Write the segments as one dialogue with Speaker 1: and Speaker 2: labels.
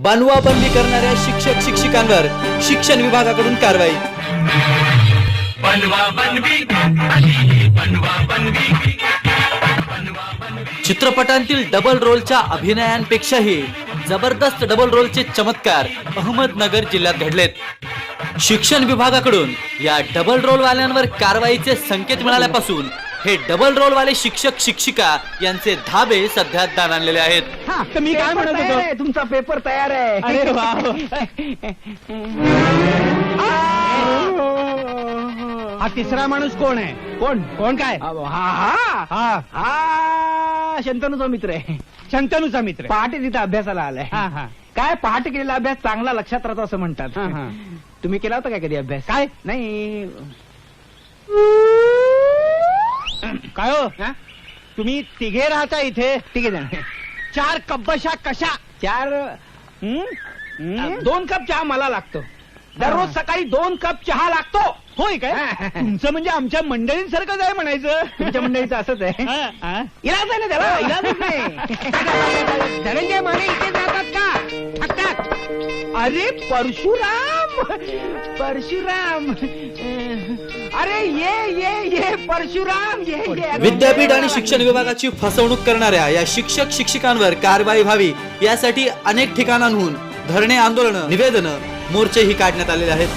Speaker 1: बनवाबनवी करणाऱ्या शिक्षक शिक्षिकांवर शिक्षण विभागाकडून कारवाई। चित्रपटांतील डबल रोलच्या अभिनयांपेक्षाही जबरदस्त डबल रोलचे चमत्कार अहमदनगर जिल्ह्यात घडलेत। शिक्षण विभागाकडून या डबल रोल वाल्यांवर कारवाईचे संकेत मिळाल्यापासून हे डबल रोल वाले शिक्षक शिक्षिका यांचे धाबे सध्या दाणाणलेले आहेत।
Speaker 2: तर मी काय म्हणत होतो,
Speaker 3: तुमचा पेपर तयार आहे।
Speaker 2: अरे वा हा तिसरा माणूस कोण आहे? कोण कोण काय?
Speaker 3: हा शंतनूचा मित्र आहे।
Speaker 2: शंतनूचा मित्र
Speaker 3: पहाटे तिथं अभ्यासाला आलाय। काय पहाटे केलेला अभ्यास चांगला लक्षात राहतो असं म्हणतात। तुम्ही केला होता काय कधी अभ्यास?
Speaker 2: काय
Speaker 3: नाही
Speaker 2: काय हो? तुम्ही तिघे राहता इथे?
Speaker 3: ठीक आहे जण
Speaker 2: 4 कब्बशा कशा?
Speaker 3: 4 2 कप चहा मला लागतो दररोज सकाळी 2 कप चहा लागतो।
Speaker 2: होय काय? तुमचं म्हणजे आमच्या मंडळींसारखंच आहे म्हणायचं।
Speaker 3: तुमच्या मंडळीचं असंच आहे। इलाज आहे ना त्याला, इलाजच नाही। धनंजय माने इथे जातात का? थकतात। अरे परशुराम परशुराम, अरे ये परशुराम ये।
Speaker 1: विद्यापीठ आणि शिक्षण विभागाची फसवणूक करणाऱ्या या शिक्षक शिक्षिकांवर कारवाई व्हावी यासाठी अनेक ठिकाणांहून धरणे, आंदोलन, निवेदन, मोर्चेही काढण्यात आलेले आहेत।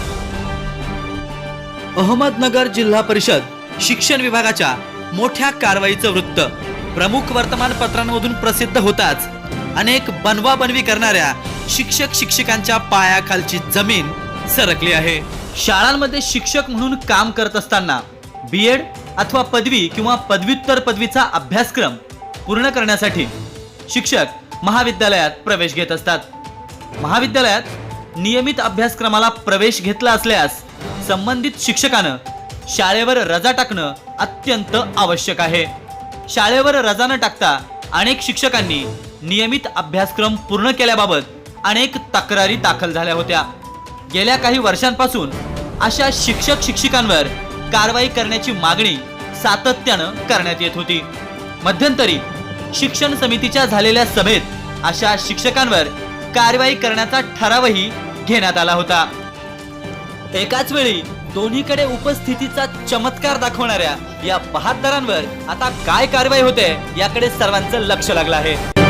Speaker 1: अहमदनगर जिल्हा परिषद शिक्षण विभागाच्या मोठ्या कारवाईचं वृत्त प्रमुख वर्तमानपत्रांमधून प्रसिद्ध होताच अनेक बनवाबनवी करणाऱ्या शिक्षक शिक्षिकांच्या पायाखालची जमीन सरकली आहे। शाळांमध्ये शिक्षक म्हणून काम करत असताना बीएड अथवा पदवी किंवा पदव्युत्तर पदवीचा अभ्यासक्रम पूर्ण करण्यासाठी शिक्षक महाविद्यालयात प्रवेश घेत असतात। महाविद्यालयात नियमित अभ्यासक्रमाला प्रवेश घेतला असल्यास संबंधित शिक्षकानं शाळेवर रजा टाकणं अत्यंत आवश्यक आहे। शाळेवर रजा न टाकता अनेक शिक्षकांनी नियमित अभ्यासक्रम पूर्ण केल्याबाबत अनेक तक्रारी दाखल झाल्या होत्या। गेल्या काही वर्षांपासून अशा शिक्षक शिक्षिकांवर कारवाई करण्याची मागणी सातत्यानं करण्यात येत होती। मध्यंतरी शिक्षण समितीच्या झालेल्या सभेत अशा शिक्षकांवर कारवाई करण्याचा ठरावही घेण्यात आला होता। एकाच वेळी दोन्हीकडे उपस्थितीचा चमत्कार दाखवणाऱ्या या बहादरांवर आता काय कारवाई होते याकडे सर्वांचं लक्ष लागलं आहे।